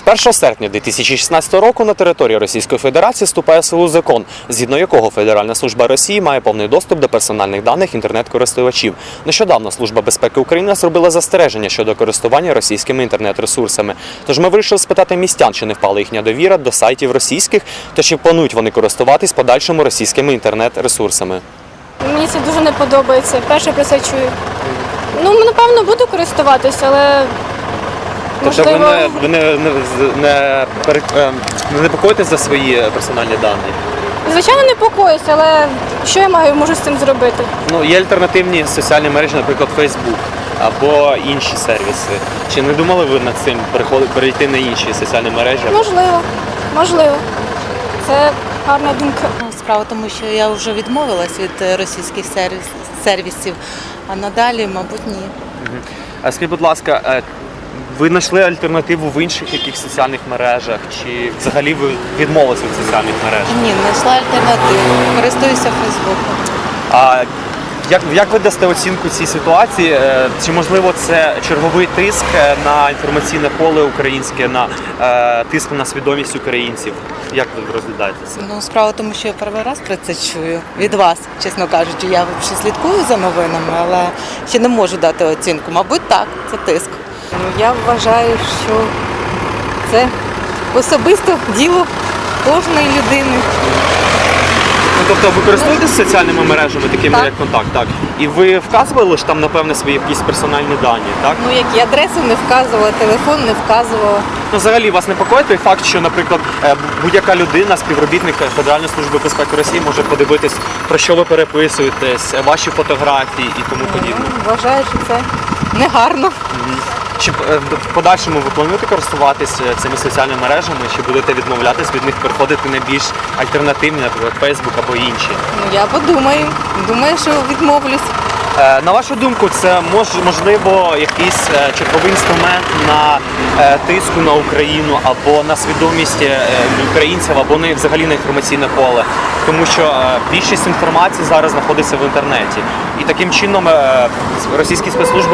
1 серпня 2016 року на території Російської Федерації вступає в силу закон, згідно якого Федеральна служба Росії має повний доступ до персональних даних інтернет-користувачів. Нещодавно Служба безпеки України зробила застереження щодо користування російськими інтернет-ресурсами. Тож ми вирішили спитати містян, чи не впала їхня довіра до сайтів російських, та чи планують вони користуватись подальшому російськими інтернет-ресурсами. Мені це дуже не подобається. Перше про це чую. Напевно, буду користуватися, але Тобто можливо... ви не непокоїтесь за свої персональні дані? Звичайно, непокоюсь, але що я можу з цим зробити? Є альтернативні соціальні мережі, наприклад, Facebook або інші сервіси. Чи не думали ви над цим перейти на інші соціальні мережі? Можливо. Це гарна думка. Справа в тому, що я вже відмовилась від російських сервісів, а надалі, мабуть, ні. А скажіть, будь ласка, ви знайшли альтернативу в інших якихось соціальних мережах, чи взагалі ви відмовилися від соціальних мереж? Ні, знайшла альтернативу. Користуюся Фейсбуком. А як ви дасте оцінку цій ситуації? Чи можливо це черговий тиск на інформаційне поле українське, на тиск на свідомість українців? Як ви розглядаєте це? Справа в тому, що я перший раз про це чую від вас, чесно кажучи. Я ще слідкую за новинами, але ще не можу дати оцінку. Мабуть, так, це тиск. Я вважаю, що це особисто діло кожної людини. Тобто ви користуєтесь соціальними мережами, такими Так. як «Контакт», так? І ви вказували ж там, напевне, свої якісь персональні дані, так? Як і адресу не вказувала, телефон не вказувала. Взагалі вас непокоїть той факт, що, наприклад, будь-яка людина, співробітник Федеральної служби безпеки Росії може подивитись, про що ви переписуєтесь, ваші фотографії і тому подібне? Вважаю, що це негарно. Чи в подальшому ви плануєте користуватись цими соціальними мережами, чи будете відмовлятись від них, переходити на більш альтернативні, наприклад, Facebook або інші? Я подумаю. Думаю, що відмовлюсь. На вашу думку, це можливо якийсь черговий інструмент на тиску на Україну або на свідомість українців, або взагалі на інформаційне поле? Тому що більшість інформації зараз знаходиться в інтернеті. І таким чином російські спецслужби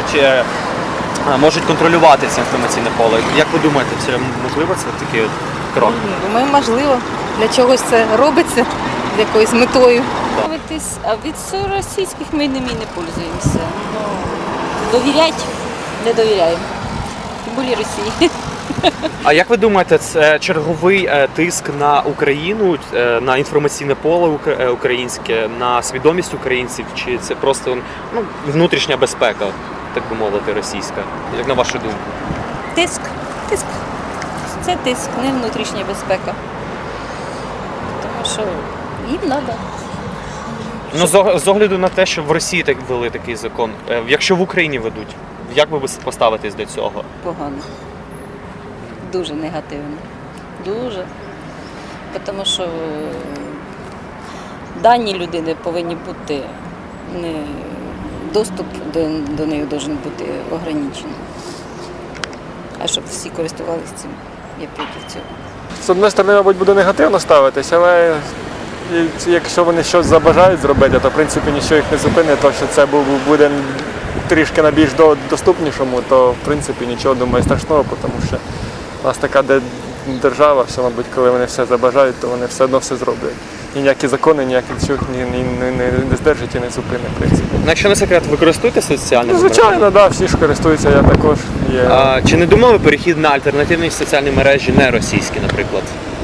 можуть контролювати це інформаційне поле. Як ви думаєте, це можливо такий крок? Думаю, можливо. Для чогось це робиться з якоюсь метою. А від російських ми ними не пользуємося. Довіряти не довіряємо. Тим більше Росії. А як ви думаєте, це черговий тиск на Україну, на інформаційне поле українське, на свідомість українців, чи це просто внутрішня безпека, так би мовити, російська? Як на вашу думку? Тиск. Це тиск, не внутрішня безпека. Тому що їм треба. З огляду на те, що в Росії так ввели такий закон, якщо в Україні ведуть, як ви поставитесь до цього? Погано. Дуже негативно. Дуже. Тому що дані людини повинні бути, доступ до них має бути ограничений. А щоб всі користувалися цим, я проти цього. З однієї сторони, мабуть, буде негативно ставитись, але якщо вони щось забажають зробити, то в принципі нічого їх не зупинить, то що це буде трішки на більш доступнішому, то в принципі нічого, думаю, страшного, тому що у нас така держава, що, мабуть, коли вони все забажають, то вони все одно все зроблять. І ніякі закони, ніяких нічого не здержать і не зупинить, в принципі. Якщо не секрет, ви користуєтеся соціальними мережами? Звичайно, так, всі ж користуються, я також. Чи не думали ви перехід на альтернативні соціальні мережі, не російські, наприклад?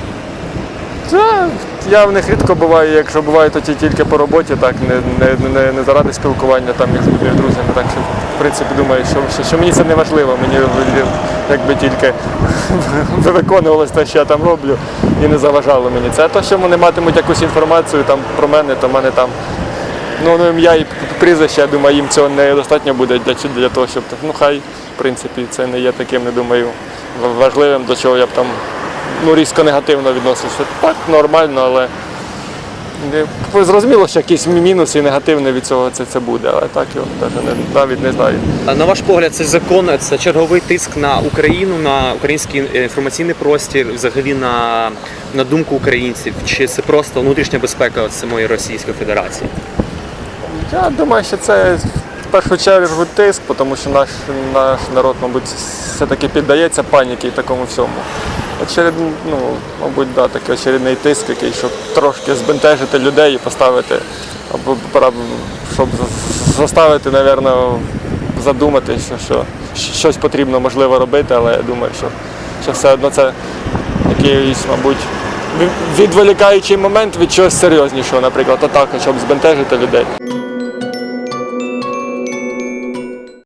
Я в них рідко буваю, якщо буваю, то тільки по роботі, так, не заради спілкування там із друзями. Так що, в принципі, думаю, що мені це не важливо, мені якби тільки виконувалось те, що я там роблю, і не заважало мені. Це те, що вони матимуть якусь інформацію там про мене, то в мене там ім'я і прізвище, я думаю, їм цього недостатньо буде для того, щоб, хай, в принципі, це не є таким, не думаю, важливим, до чого я б там різко негативно відносився. Так, нормально, але зрозуміло, що якісь мінуси і негативне від цього це буде, але так його навіть не знаю. А на ваш погляд, цей закон – це черговий тиск на Україну, на український інформаційний простір, взагалі на думку українців? Чи це просто внутрішня безпека самої Російської Федерації? Я думаю, що це першу чергу тиск, тому що наш народ, мабуть, все-таки піддається паніці і такому всьому. Мабуть, да, такий очередний тиск, який, щоб трошки збентежити людей і поставити, або щоб заставити, мабуть, задумати, що щось потрібно, можливо, робити, але я думаю, що все одно це якийсь, мабуть, відволікаючий момент від чогось серйознішого, наприклад, атака, щоб збентежити людей.